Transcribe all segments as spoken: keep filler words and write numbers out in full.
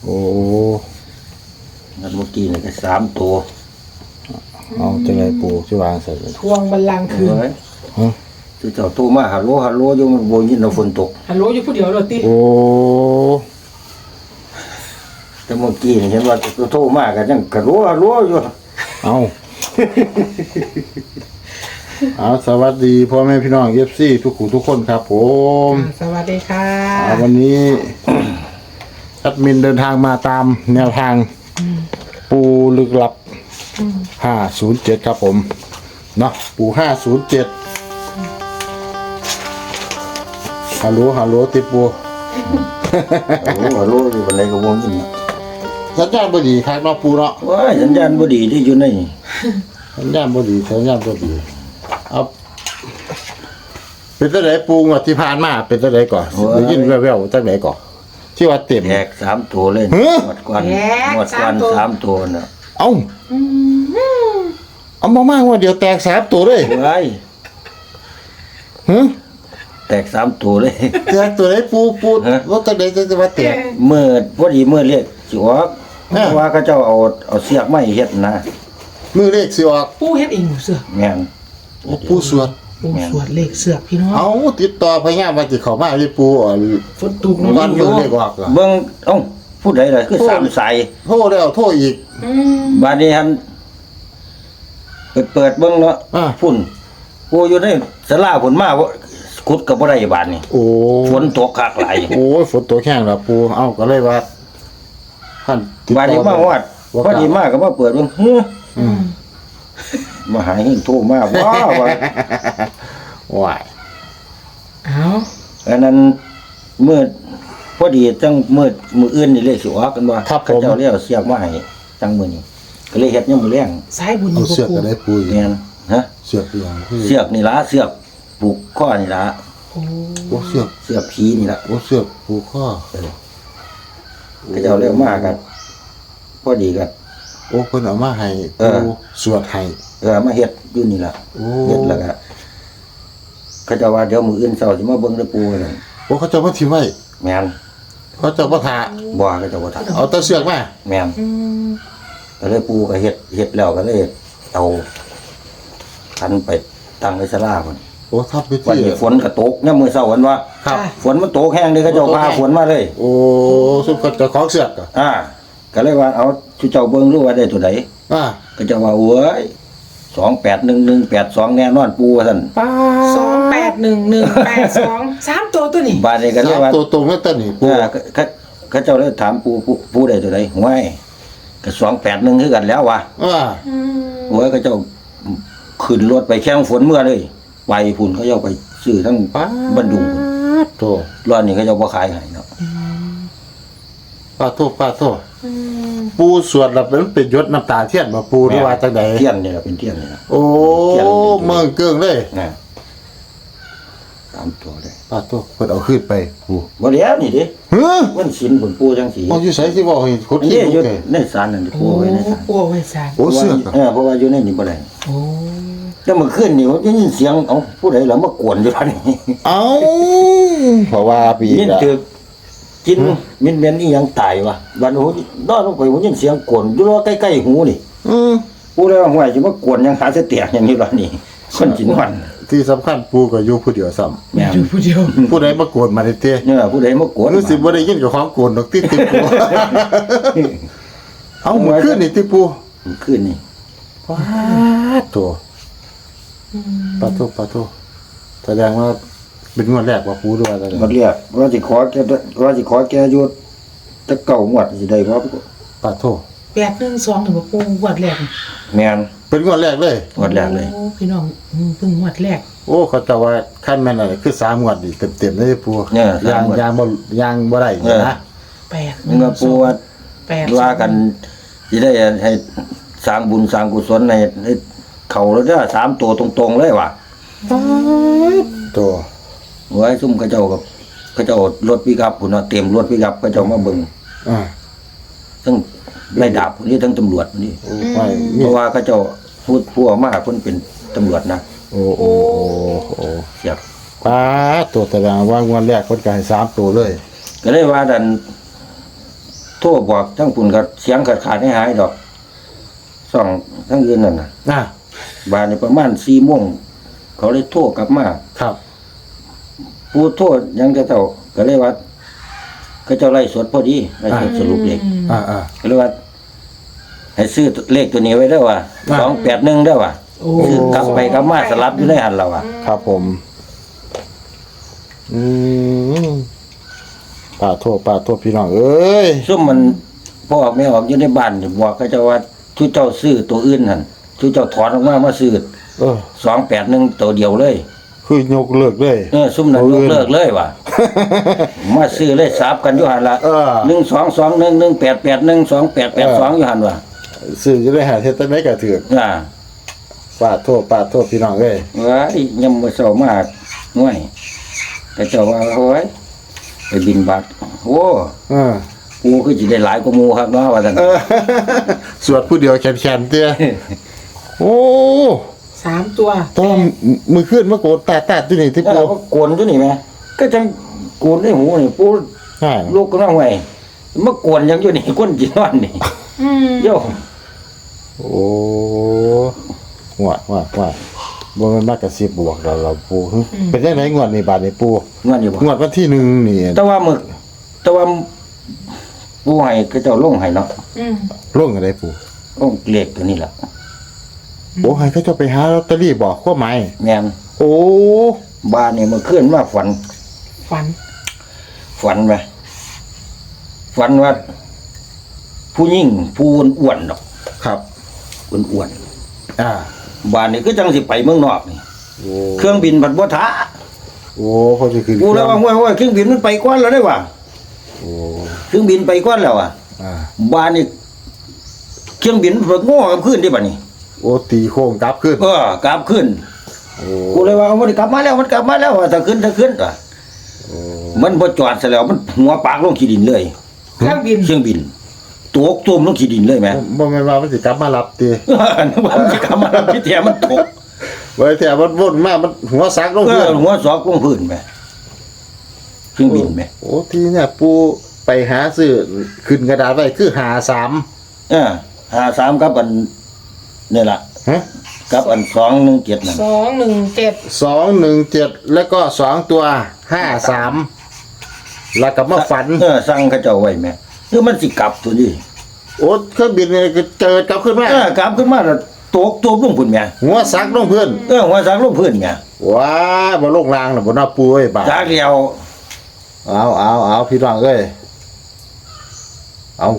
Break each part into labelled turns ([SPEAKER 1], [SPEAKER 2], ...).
[SPEAKER 1] โอ้
[SPEAKER 2] งั้นเมื่อกี้นี่ก็สามตัว
[SPEAKER 1] เอาจังไดปูสิวางใส่เลย
[SPEAKER 3] ทวงบัลลังก์คืน
[SPEAKER 2] เฮ้ย
[SPEAKER 1] ฮะ
[SPEAKER 2] คือเจ้าโทรมาฮัลโหลฮัลโหลอยู่มันบ่ยินเราฝนตก
[SPEAKER 3] ฮัลโหลอยู่ผู้เดียวโรตี
[SPEAKER 1] โอ้
[SPEAKER 2] แต่เมื่อกี้นี่เห็นว่าโทรมาก็ยังกระโหลฮัลโหลอยู่
[SPEAKER 1] เอาเอาสวัสดีพ่อแม่พี่น้อง เอฟ ซี ทุกผู้ทุกคนครับผม
[SPEAKER 3] สวัสดีค่ะ
[SPEAKER 1] อ่าวันนี้ แอดมินเดินทางมาตามแนวทางปูลึกลับห้าศูนย์เจ็ดครับผมเนาะปูห้าศูนย์เจ็ดฮัลโหลฮัลโหลติปู
[SPEAKER 2] ฮัลโหลฮัลโหลอยู่บันไดก็บ่ยินน่ะ
[SPEAKER 1] สัญญาณบ่ดีครับเนาะปูเนาะ
[SPEAKER 2] ว้ายสัญญาณบ่ดีที่อยู่ใน
[SPEAKER 1] สัญญาณบ่ดีสัญญาณบ่ดีเอาเป็นจังไดปูงวดที่ผ่านมาเป็นจังไดก่อนได้ยินแว่วๆจังไดก่อนที่ว่าเต็ม
[SPEAKER 2] แตกสามตัวเลย
[SPEAKER 1] ฮะ
[SPEAKER 2] หมดก่อนหมดก่อนสามตัวน่ะ
[SPEAKER 1] เอ้าเอามามากว่าเดียวแตกสามตัวเลย
[SPEAKER 2] ว้าย
[SPEAKER 1] ฮะ
[SPEAKER 2] แตกสามตัวเลย
[SPEAKER 1] แตกตัวไหนปูปู
[SPEAKER 2] ฮะ
[SPEAKER 1] รถจังไดจะว่าแตก
[SPEAKER 2] เมื่อพอดีเมื่อเรียกสิออก
[SPEAKER 1] อ่า
[SPEAKER 2] เพราะว่าเขาเจ้าเอาเอาเสียกไม้เฮ็ดนะ
[SPEAKER 1] มือเลขสิออก
[SPEAKER 3] ปูเฮ็ดเองหมูเสือก
[SPEAKER 2] แม่น
[SPEAKER 1] ปูสวด
[SPEAKER 3] ปูสวดเลขเสือกพี่น้อง
[SPEAKER 1] เอาติดต่อพญาว่าสิเข้ามาที่ปูอ่อน
[SPEAKER 3] ฝนตก
[SPEAKER 1] ก่อน
[SPEAKER 3] อ
[SPEAKER 1] มื
[SPEAKER 3] ยู่
[SPEAKER 1] อเลขออกอะ
[SPEAKER 2] เบิ่งเอ้าผู้ใดล่ะคือสามสาย
[SPEAKER 1] โทรแล้วโทรอีก
[SPEAKER 3] อืม
[SPEAKER 2] บาดนี้หันเปิดเปิดเบิ่งเนาะ
[SPEAKER 1] อ่า
[SPEAKER 2] พุ่นผู้อยู่ในศาลาพุ่นมาบ่ขุดก็บ่ได้บาดนี้
[SPEAKER 1] โอ้
[SPEAKER 2] ฝนตกคักหลาย
[SPEAKER 1] โอ้ยฝนตกแห้งแล้วปูเอ้าก็เลยว่าท่านติด
[SPEAKER 2] บาด
[SPEAKER 1] ต่
[SPEAKER 2] นี้
[SPEAKER 1] อ
[SPEAKER 2] มาฮอดพอดีมาก็มาเปิดเบิ่งเฮ้อ
[SPEAKER 1] อืม
[SPEAKER 2] มาหาเฮงโทรมาว้าวว่า
[SPEAKER 1] ว้าย
[SPEAKER 3] เอา
[SPEAKER 2] อันนั้นมืดพอดีจังมืดมื้ออื่นนี่เลขสิออกกันว่าเขาเจ้าเรียกเสียกมาให้จังมื้อนี้ก็เลยเฮ็ดยามมื้อแลง
[SPEAKER 3] สายบุญอ
[SPEAKER 1] เอา
[SPEAKER 3] ยู่
[SPEAKER 1] เสือก
[SPEAKER 3] ปู
[SPEAKER 1] ก็ได้ปูอีก
[SPEAKER 2] แม่นฮะ
[SPEAKER 1] เสือกอีกอย่างคือ
[SPEAKER 2] เสือกนี่ล่ะเสือกผูกข้อนี่ล่ะ
[SPEAKER 3] โอ้
[SPEAKER 1] โอ้เสือก
[SPEAKER 2] เสือกผีนี่ล่ะ
[SPEAKER 1] โอ้เสือกปูข้อ
[SPEAKER 2] เขาเจ้าเรียกมากันพอดีกัน
[SPEAKER 1] โอ้เพิ่นเอามาให้
[SPEAKER 2] เออ
[SPEAKER 1] ปูสวดให้
[SPEAKER 2] เออมาเฮ็ดอยู่นี่ล่ะ
[SPEAKER 1] โอ้
[SPEAKER 2] เฮ็ดแล้วก็เขาเจะว่าเดี๋ยวมื้ออื่นเช้าสิมาเบิ่งเด้อปู่ว่าซั่น
[SPEAKER 1] โอ้เขาเจะมาทิ้งไว้
[SPEAKER 2] แม่น
[SPEAKER 1] เขาเจะมาทา
[SPEAKER 2] บ่เขาเจะบ่ทัน
[SPEAKER 1] เอาแต่เสือกมา
[SPEAKER 2] แม่น
[SPEAKER 3] อืม
[SPEAKER 2] ก็เลยปู่ก็เฮ็ดเฮ็ดแล้วก็เลยเอาทันไปตั้งในศาลาพุ่น
[SPEAKER 1] โอ้ทับไป
[SPEAKER 2] วัน
[SPEAKER 1] ที่
[SPEAKER 2] นี้ฝนก็ตกยามมื้อเช้าวันว่า
[SPEAKER 1] ครับ
[SPEAKER 2] ฝนมันตกแห้งเด้เขาเจ้าพาฝนมาเลย
[SPEAKER 1] โอ้สุดก็จะของเสือกอ่ะ
[SPEAKER 2] อ่า ก็เลยว่าเอาชูเจ้าเบิ่งรู้ว่าได้ตัวใด
[SPEAKER 1] อ่า
[SPEAKER 2] ก็จะว่าโอ้ยสองแปดหนึ่งหนึ่งแปดสองแน่นอนปู่ว่าซั่น
[SPEAKER 1] ป้า
[SPEAKER 3] สองแปดหนึ่งหนึ่งแปดสองสามตัวตัวนี้
[SPEAKER 2] บาดนี้ก็เลย
[SPEAKER 1] สาม
[SPEAKER 2] ว่า
[SPEAKER 1] ตัวตรงนั่นต้นนี่ปู
[SPEAKER 2] อ่าเขาเขาเจ้าเลยถามปู่ปู่ปู่ได้ตัวใดห้วยก็สองแปดหนึ่งคือกันแล้วว่ะ
[SPEAKER 1] อ่า
[SPEAKER 3] อืม
[SPEAKER 2] โอ้ยเขาเจ้าขึ้นรถไปแข่งฝนเมื่อเลยไปพุ่นเขาเจ้าไปซื้อทั้ง
[SPEAKER 1] ป้า
[SPEAKER 2] บันดุง
[SPEAKER 1] โตัว
[SPEAKER 2] รอบนี้เขาเจ้าบ่ขายให้เนาะ
[SPEAKER 1] ป้าโทษป้าโทษ
[SPEAKER 3] อืม
[SPEAKER 1] ปูสวดแล้วเป็นเป็นยศน้ำตาเทียนมาปูหรือว่าจังใด
[SPEAKER 2] เทียนนี่ล่ะเป็นเทียนนี่ล่ะ
[SPEAKER 1] โอ้เมืองเกิงเลย
[SPEAKER 2] นะตามตัวเลย
[SPEAKER 1] ป้าโทษเพิ่นเอาขึ้นไปปู
[SPEAKER 2] บ่แล้วนี่ดิ
[SPEAKER 1] เฮ้อ
[SPEAKER 2] มันสินผลปู่จังสี
[SPEAKER 1] เอาอยู่ไสที่บอกให้คน
[SPEAKER 2] อัน
[SPEAKER 1] ขี้
[SPEAKER 2] นี้
[SPEAKER 1] ลู
[SPEAKER 2] อยู่
[SPEAKER 1] กแก
[SPEAKER 2] ในศาลนั่นที่
[SPEAKER 3] โอ้
[SPEAKER 2] ปู่ไว้ในศาล
[SPEAKER 3] ปูไว้สาร
[SPEAKER 1] โอ้เสือกอะ
[SPEAKER 2] เออเพราะว่าอยู่ในนี่บ่ได้
[SPEAKER 3] โอ้
[SPEAKER 2] แล้วเมื่อคืนนี่ผมได้ยินเสียงเอ้าผู้ใดล่ะมากวนอยู่ท่านี้
[SPEAKER 1] เอ้าเพราะว่าปี
[SPEAKER 2] ยิน
[SPEAKER 1] ละ
[SPEAKER 2] ถือกินมินเมนอีหยังตายวะบัดโหนอนลงไปผมยินเสียงกวนอยู่รอใกล้ๆหูนี่
[SPEAKER 1] อืม
[SPEAKER 2] ผู้ใดว่าห่วยสิมากวนหยังหาเสยเตียกอย่างนี้ล่ะนี่คนจินวัน
[SPEAKER 1] ที่สำคัญปูก็อยู่ผู้เดียวซ้ำ
[SPEAKER 2] แม่น
[SPEAKER 3] อยู่ผู้เดียว
[SPEAKER 1] ผู้ใดมาโกนมาได้เต้
[SPEAKER 2] เนี่ยผู้ใดมากวน
[SPEAKER 1] รู้สึกบ่ได้ยินกับของโกนดอกติดติปูเอ้าเมื่อคืนนี่ติปู
[SPEAKER 2] เมื่อคืนนี่
[SPEAKER 1] ป้าโตปาโตปาโตแสดงว่าเป็นงวดแรกว่าปูหรือว่าอะไร
[SPEAKER 2] มันเรียกว่าสิขอแกว่าสิขอแกอยู่จะเก่างวดสิได้บ่
[SPEAKER 1] ปาโต
[SPEAKER 3] แปดหนึ่งสองหนึ่งปูงวดแรก
[SPEAKER 2] แม่น
[SPEAKER 1] เป็นงวดแรกเลย
[SPEAKER 2] งวดแรกเลย
[SPEAKER 3] โอ้พี่น้องอืมเพิ่งงวดแรก
[SPEAKER 1] โอ้เขาจะว่าขั้นแม่นอะไรคือสามงวดดิเต็มๆเลยปู
[SPEAKER 2] เนี่ยสาม
[SPEAKER 1] ยาง
[SPEAKER 2] งวด
[SPEAKER 1] ยางบ่ยางบ่ได้
[SPEAKER 2] เออ
[SPEAKER 1] นะ
[SPEAKER 3] แปดห
[SPEAKER 2] มึ
[SPEAKER 3] นึ่
[SPEAKER 2] ง
[SPEAKER 3] ง
[SPEAKER 2] ก็
[SPEAKER 3] ส
[SPEAKER 2] ปู่
[SPEAKER 3] อง
[SPEAKER 2] ว่า
[SPEAKER 3] แปด
[SPEAKER 2] ว่ากันสิได้ให้สร้างบุญสร้างกุศลให้ให้เข้าแล้วเด้อสามตัวตรงๆเลยว่ะ
[SPEAKER 1] ปาโต
[SPEAKER 2] ไว้ซุ่มเขาเจ้ากับเขาเจ้ารถปิกอัพพุ่นเนาะเต็มรถปิกอัพเขาเจ้ามาเบิ่ง
[SPEAKER 1] อ่า
[SPEAKER 2] ทั้งไล่ดาบพุ่นนี่ทั้งตำรวจพุ่นนี่
[SPEAKER 1] โอ้ไม่
[SPEAKER 2] เพ
[SPEAKER 1] มี
[SPEAKER 2] ราะว่าเขาเจ้าพูดผู้ออกมาเพิ่นเป็นตำรวจนะ
[SPEAKER 1] โอ้โอ้โอ้โอ้
[SPEAKER 2] เสียบ
[SPEAKER 1] ปาโตแสดงว่างวดแรกคนก็ให้สามตัวเลย
[SPEAKER 2] ก็เลยว่าดันโทรบอกทั้งปุ่นก็เสียงขาดขาดให้หายดอกสองทั้งยืนนั่นน่ะ
[SPEAKER 1] อ่า
[SPEAKER 2] บานนี่ประมาณสี่โมงเขาเลยโทรกลับมา
[SPEAKER 1] ครับ
[SPEAKER 2] ผู้โทษยังจะเท่าก็เลยว่าเขาเจ้าไล่สดพอดีไล่สดสรุปเลข
[SPEAKER 1] อ่าอ่า
[SPEAKER 2] ก็เลยว่า ให้ซื้อเลขตัวนี้ไว้ได้ว่า
[SPEAKER 1] อ่า
[SPEAKER 2] สองแปดหนึ่งได้ว่า
[SPEAKER 3] โอ้
[SPEAKER 2] คือกลับไปกลับมาสลับอยู่ในหันเราอ่ะ
[SPEAKER 1] ครับผม อืมป่าโทษป่าโทษพี่น้องเอ้ย
[SPEAKER 2] ซุ่มมันพ่อออกไม่ออกอยู่ในบ้านนี่บอกเขาเจ้าว่าทุเจ้าซื้อตัวอื่นหันทุเจ้าถอนออกมามาซื้อ
[SPEAKER 1] เออ
[SPEAKER 2] สองแปดหนึ่งตัวเดียวเลย
[SPEAKER 1] คือยกเลิกเลย
[SPEAKER 2] เออซุ่มนั้นยกเลิกเลยว่ะ มาซื้อเลยสับกันอยู่หันละ
[SPEAKER 1] เออ
[SPEAKER 2] หนึ่งสองสองหนึ่งหนึ่งแปดแปดหนึ่งสองแปดแปดสองอยู่หันว่ะ
[SPEAKER 1] สื่อจะได้หาเทศได้กระเถือก
[SPEAKER 2] อ่า
[SPEAKER 1] ป่าโทษป่าโทษพี่น้องเอ้ย
[SPEAKER 2] ว้ายยำมือเศร้ามากง่วยแต่เจ้าว่าโอ้ยไปบินบาทโอ้
[SPEAKER 1] เออ
[SPEAKER 2] กูคือจะได้หลายกว่าหมูครับเนาะว่าท่าน
[SPEAKER 1] เออ สวดผู้เดียวแขนๆเตี้ยโอ้
[SPEAKER 3] สามตัว
[SPEAKER 1] ต้องมือขึ้นมาโกดตาตาที่นี่ที่
[SPEAKER 2] แล้ว
[SPEAKER 1] ปู
[SPEAKER 2] เราก็โกนตัวนี้ไหมก็จังโกนในหูนี่ปู
[SPEAKER 1] ใช่
[SPEAKER 2] ลูกก็น้องไงเมื่อโกนยังอยู่นี่ก้นจีนอนนี่
[SPEAKER 3] อืม
[SPEAKER 2] โย่
[SPEAKER 1] โอ้หัวหัวหัวบ่แมันมากกระซิบบวกเราเราปูหึเป็นยังไงงวดนี้บาดนี้ปู
[SPEAKER 2] งอนอยู่บ่
[SPEAKER 1] งวดวันที่หนึ่งนี่
[SPEAKER 2] แต่ว่ามึกแต่ว่าปูให้ก็เจ้าลงให้เนาะ
[SPEAKER 3] อืม
[SPEAKER 1] ร่วงอะไรปู
[SPEAKER 2] ลงเลขตัวนี้ล่ะ
[SPEAKER 1] โอ้ให้เขาเจะไปหาลอตเตอรี่บอกข้อหมาย
[SPEAKER 2] แม่น
[SPEAKER 1] โอ้
[SPEAKER 2] บ้านนี่เมื่อคืนมาฝัน
[SPEAKER 3] ฝัน
[SPEAKER 2] ฝันไหมฝันว่า ผู้หญิงผู้อ้วนๆดอก
[SPEAKER 1] ครับ
[SPEAKER 2] อ้วน
[SPEAKER 1] อ่า
[SPEAKER 2] ๆบ้านนี่ก็จังสิไปเมืองนอกนี่
[SPEAKER 1] โอ้
[SPEAKER 2] เครื่องบินผัดบ่ท้า
[SPEAKER 1] โอ้พอจะขึ้น
[SPEAKER 2] กูแล้วว่าว่าว่าเครื่องบินมันไปก่อนแล้วได้ว่ะ
[SPEAKER 1] โอ้
[SPEAKER 2] เครื่องบินไปก่อนแล้วอ่ะ
[SPEAKER 1] อ่า
[SPEAKER 2] บ้านนี่เครื่องบินเพิ่งโง่กับขึ้นที่บ้านนี่
[SPEAKER 1] โอ้ตีโค้งกลับขึ้น
[SPEAKER 2] เออกลับขึ้น
[SPEAKER 1] โอ้
[SPEAKER 2] กูเลยว่ามันกลับมาแล้วมันกลับมาแล้วว่าถ้าขึ้นถ้าขึ้นอ่ะ
[SPEAKER 1] โอ้
[SPEAKER 2] มันบ่จอดซะแล้วมันหัวปากลงขี้ดินเลย
[SPEAKER 3] เครื่องบิน
[SPEAKER 2] เครื่องบินตกตุ่มลงขี้ดินเลยแหม
[SPEAKER 1] บ่แม่นว่ามันสิกลับมารับตี
[SPEAKER 2] นึกว่ามันสิกลับมาแล้วพี่แท้มันตก
[SPEAKER 1] ไว้แต่มันวนมามันหัวซักลง
[SPEAKER 2] เอ
[SPEAKER 1] พื้
[SPEAKER 2] อน หัวสอกลงพื้นแหมเครื่องบินแหม
[SPEAKER 1] โอ้ทีเนี่ยปูไปหาซื้อขึ้นกระดาษไว้คือหาสาม
[SPEAKER 2] เออหาสามกับอันนี่ล่ะ
[SPEAKER 1] ฮะ
[SPEAKER 2] กับอันสองหนึ่งเจ็ดนั่น
[SPEAKER 3] สองหนึ่งเจ็ด
[SPEAKER 1] สองหนึ่งเจ็ดแล้วก็สองตัวห้าสามแล้วก็มาฝัน
[SPEAKER 2] เออสั่งเขาเจ้าไว้แหมคือมันสิกลับตัวนี้
[SPEAKER 1] โอ้เครื่องบินเนี่ยก็เจอกลับขึ้นมา
[SPEAKER 2] เออกลับขึ้นมาแล้วตกตัวลงพื้นแหม
[SPEAKER 1] หัวซักลงพื้น
[SPEAKER 2] เออหัวสักลงพื้นแหม
[SPEAKER 1] ว้าบ่ลงรางน่ะบ่น่าปูเอ้ยบาด
[SPEAKER 2] จากเดียว
[SPEAKER 1] เอาเอาเอาพี่น้องเอ้ยเอา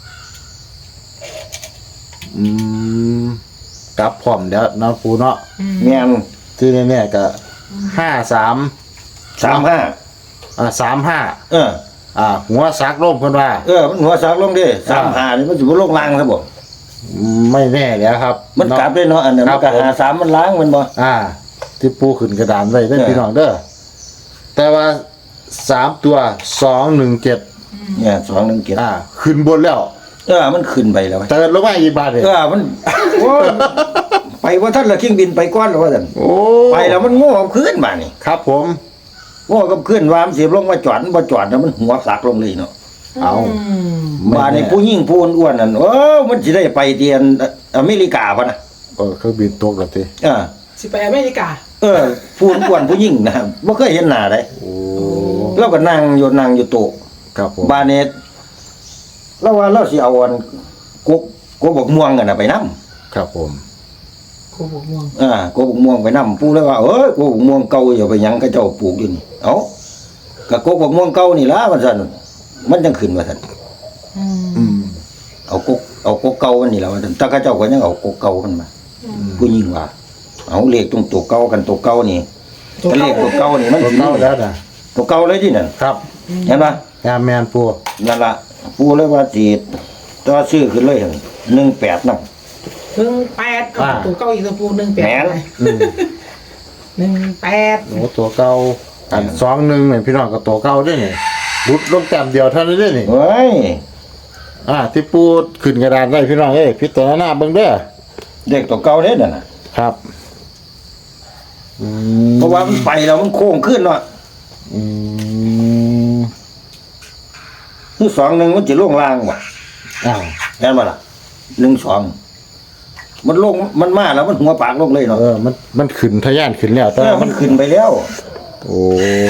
[SPEAKER 1] อืมกลับพร้อมเดี๋ยวเนาะปูเนาะ
[SPEAKER 2] แม่น
[SPEAKER 1] ที่แน่ๆก็ห้าสาม
[SPEAKER 2] สามห้า
[SPEAKER 1] อ่าสามห้า
[SPEAKER 2] เออ
[SPEAKER 1] อ่า หัวซักลงเพิ่นว่า
[SPEAKER 2] เออมันหัวสักลงดิสามห้านี่มันสิบ่ลงล่างซะบ่
[SPEAKER 1] ไม่แน่แล้วครับ
[SPEAKER 2] มันกลับ
[SPEAKER 1] เาะ
[SPEAKER 2] ด้วยเนาะอันนั้น
[SPEAKER 1] ครั
[SPEAKER 2] มั
[SPEAKER 1] บ
[SPEAKER 2] นก็หาสามมันล้างมันบ่
[SPEAKER 1] อ่า ที่ปูขึ้นกระดานไว้ได้
[SPEAKER 2] เออ
[SPEAKER 1] พี่น้องเด้อแต่ว่าสามตัวสองหนึ่งเจ็ด
[SPEAKER 2] เนี่ยสองหนึ่งเจ็ด
[SPEAKER 1] อ่า ขึ้นบนแล้ว
[SPEAKER 2] เออมันขึ้นไปแล้ว
[SPEAKER 1] เติร์นลงมาอีกบาทเลย
[SPEAKER 2] เออมันโอ้ยไปว่าท่านละเครื่องบินไปก่อนแล้วว่าท่าน
[SPEAKER 1] โอ้
[SPEAKER 2] ไปแล้วมันโง่กับขึ้นมานี่
[SPEAKER 1] ครับผม
[SPEAKER 2] โง่กับขึ้นวามนสิลงมาจอดมันบ่จอดแล้วมันหัวสักลงเลยเนาะ
[SPEAKER 1] เอา
[SPEAKER 3] อืม
[SPEAKER 2] มาในผู้หญิงผู้อ้วนๆนั่นโอ้มันสิได้ไปเตียนอเมริกาป่ะนะ
[SPEAKER 1] เออเครื่องบินตกแล้วที
[SPEAKER 2] เออ
[SPEAKER 3] สิไปอเมริกา
[SPEAKER 2] เออผู้อ้วนๆผู้หญิงนะบ่เคยเห็นหน้าเลย
[SPEAKER 1] โอ้
[SPEAKER 2] เราก็นั่งอยู่นั่งอยู่โต๊ะ
[SPEAKER 1] ครับผม
[SPEAKER 2] บานเนตเราว่าเราสิเอาอันกกกกบกม่วงกันน่ะไปนํ
[SPEAKER 1] ครับผม
[SPEAKER 3] โคบกม่วง
[SPEAKER 2] อ่ากกบกม่วงไปนํปู่เลยว่าเอ้ยกกบกม่วงเก่าอย่าไปหยังเขาเจ้าปลูกอยู่นี่เอ้าก็กกบกม่วงเก่านี่ล่ะว่าซั่นมันจังขึ้นว่าซั่น
[SPEAKER 3] อืม
[SPEAKER 1] อืม
[SPEAKER 2] เอากกเอากกเก่ามันนี่ล่ะว่าซั่นแต่เขาเจ้าก็ยังเอากกเก่ามันมาผู้หญิงว่าเอาเลขตรงตัวเก่ากันตัวเก่านี่
[SPEAKER 3] ตัว
[SPEAKER 2] ก็เลขตัวเก่านี่มัน
[SPEAKER 1] รถ
[SPEAKER 2] สิ
[SPEAKER 1] เล่าแล้วนะ
[SPEAKER 2] ตัวเก่าเลยที่นั่น
[SPEAKER 1] ครับ
[SPEAKER 2] เห็นปะ
[SPEAKER 1] งานแมนปู
[SPEAKER 2] นั่นล่ะปู่เลยว่าสิต่อซื้อขึ้นเลยหั่นหนึ่งแปดนำ
[SPEAKER 3] หนึ่งแปดเอาตัวเก้าอีกตัวปูหนึ่งแปด
[SPEAKER 2] แหม
[SPEAKER 3] ไปหนึ่งแปด
[SPEAKER 1] โอ้ตัวเก่าอันสองหนึ่งเนี่ยพี่น้องกับตัวเก่าด้วยนี่รุดลงแต้มเดียวเท่านั้นเด้นี่
[SPEAKER 2] เฮ้ย
[SPEAKER 1] อ่า ที่ปูขึ้นกระดานไว้พี่น้องเอ้ยพิจารณาเบิ่งเด้อ
[SPEAKER 2] เด็กตัวเก่าเด้นั่นน่ะ
[SPEAKER 1] ครับอืม
[SPEAKER 2] เพราะว่ามันไปแล้วมันโค้งขึ้นเนาะ
[SPEAKER 1] อืม
[SPEAKER 2] คือสองหนึ่งมันจะลงล่างว่ะ
[SPEAKER 1] อ้าว
[SPEAKER 2] แน่นบ่ล่ะหนึ่งสองมันลงมันมาแล้วมันหัวปากลงเลยเนาะ
[SPEAKER 1] เออมันมันขึ้นทะยานขึ้นแล้วแต่
[SPEAKER 2] เออ
[SPEAKER 1] ว่า
[SPEAKER 2] มั
[SPEAKER 1] มัน น
[SPEAKER 2] ขึ้นไปแล้ว
[SPEAKER 1] โอ้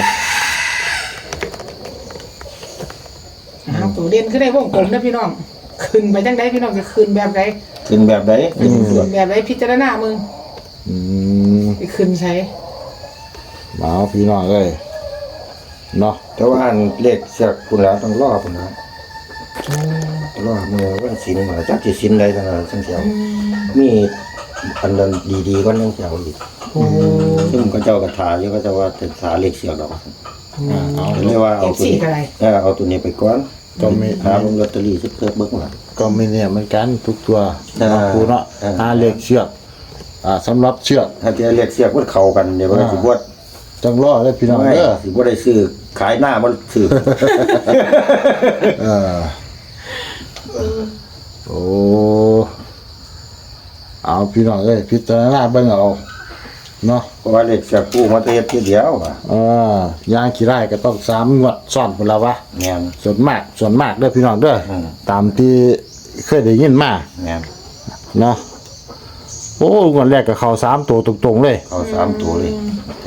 [SPEAKER 3] เอาตัวเด่นขึ้นได้วงกลมนะพี่น้องขึ้นไปจังไดพี่น้องจะขึ้นแบบใด
[SPEAKER 2] ขึ้นแบบไหน
[SPEAKER 3] ขึ้นแบบใดพิจารณามึง
[SPEAKER 1] อืม
[SPEAKER 3] ไปขึ้นใช้
[SPEAKER 1] มาเอาพี่น้องเอ้ยเนาะ
[SPEAKER 2] แต่ว่าอันเลขเสียคุณแล้วต้องรอคุณแล้วรอเมื่อวันศิลป์มาจักสิศิลป์ใดทั้งนั้นทั้งเสียวมีอันนั้นดีๆก็ยังเสียวอีก
[SPEAKER 3] โอ้
[SPEAKER 2] ซึ่งก็เจ้ากระถาอยู่ก็จะว่าเป็นถาเลขเสียดอก
[SPEAKER 1] อ่าเอา
[SPEAKER 2] เรียกว่า
[SPEAKER 3] เอ
[SPEAKER 2] เอา
[SPEAKER 3] ฟ
[SPEAKER 2] ตัว
[SPEAKER 3] ซี
[SPEAKER 2] นี้
[SPEAKER 3] อะไร
[SPEAKER 2] เออเอาตัวนี้ไปก่อน
[SPEAKER 1] ก็มี
[SPEAKER 2] หาลงลอตเตอรี่สักเพิ่มเบิ้งหลัง
[SPEAKER 1] ก็ไม่เนี่ยเหมือนกันทุกตัว
[SPEAKER 2] อ่า
[SPEAKER 1] เนาะครูเนาะ
[SPEAKER 2] อ่า
[SPEAKER 1] หาเลขเชือกอ่าสำหรับเชือก
[SPEAKER 2] ถ้าจะเลขเสียมันเข้ากันเดี๋ยวมันสิบวด
[SPEAKER 1] จังรอเลยพี่น้อง
[SPEAKER 2] ไม่
[SPEAKER 1] เด้อ
[SPEAKER 2] สิบวดได้ซื้อขายหน้ามันซื้อ
[SPEAKER 1] เออโอ้เอาพี่น้องเอ้ยพิจารณาเบิ่งเอาเนาะ
[SPEAKER 2] เพราะว่าเลขเสียกู้มาแต่เฮ็ดทีเดียวอ่ะ
[SPEAKER 1] เออย่างขี้ไร่ก็ต้องสามงวดซ้อนพุ่นละวะ
[SPEAKER 2] แม่น
[SPEAKER 1] ส่วนมากส่วนมากเด้อพี่น้องเด้ออ
[SPEAKER 2] ม
[SPEAKER 1] ตามที่เคยได้ยินมา
[SPEAKER 2] แม่น
[SPEAKER 1] เนาะโอ้งวดแรกก็เข้าสามตัวตรงๆเลย
[SPEAKER 2] เอาสามตัวเลย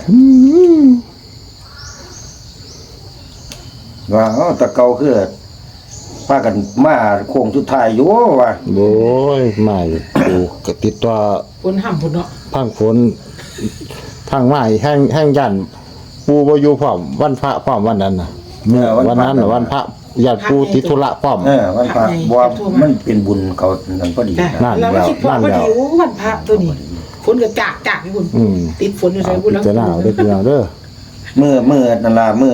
[SPEAKER 2] ว่าเอ้าแตะเก่าคือพากันมาโค้งสุดท้ายอยู่ว่า
[SPEAKER 1] โอ้ยมาอยู่กูก็ติดตัว
[SPEAKER 3] บนห้ำพุ่นเนาะ
[SPEAKER 1] พังฝนทางไม้แห้งแห้งยันปูบ่อยู่พร้อมวันพระพร้อมวันนั้นน่ะเมื่อวันนั้นน่ะวันพระญาติปูติดธุระพร้อม
[SPEAKER 2] เออวันพระบ่ว่ามันเป็นบุญเขานั่นพอดี
[SPEAKER 3] จ้ะ
[SPEAKER 2] นะ
[SPEAKER 1] นั่น
[SPEAKER 3] เราก็คิดว่า
[SPEAKER 1] นั่น
[SPEAKER 3] พอ
[SPEAKER 1] แล้ว
[SPEAKER 3] ดีโอ้วันพระตัวนี้ฝนก็จากจากพี่บุญ
[SPEAKER 1] อืม
[SPEAKER 3] ติดฝนอยู่ใส่
[SPEAKER 1] เอา
[SPEAKER 3] บุญ
[SPEAKER 1] พิ
[SPEAKER 3] แล้ว
[SPEAKER 1] จารณาเอาเด้อพี่น้องเด้อ
[SPEAKER 2] เมื่อเมื่อนั่นล่ะเมื่อ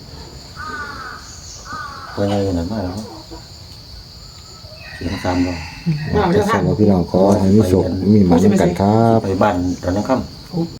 [SPEAKER 2] เพิ่นยังนั่นมาแล้วเสียงซ้ำบ่
[SPEAKER 3] เอา
[SPEAKER 1] จะ
[SPEAKER 3] เจ้า
[SPEAKER 1] สั่
[SPEAKER 3] ค่ะ
[SPEAKER 1] งว่าพี่น้องขอให้มีสุขมีหมันกันครับ
[SPEAKER 2] ไปบ้านตอนนั้นค่ำ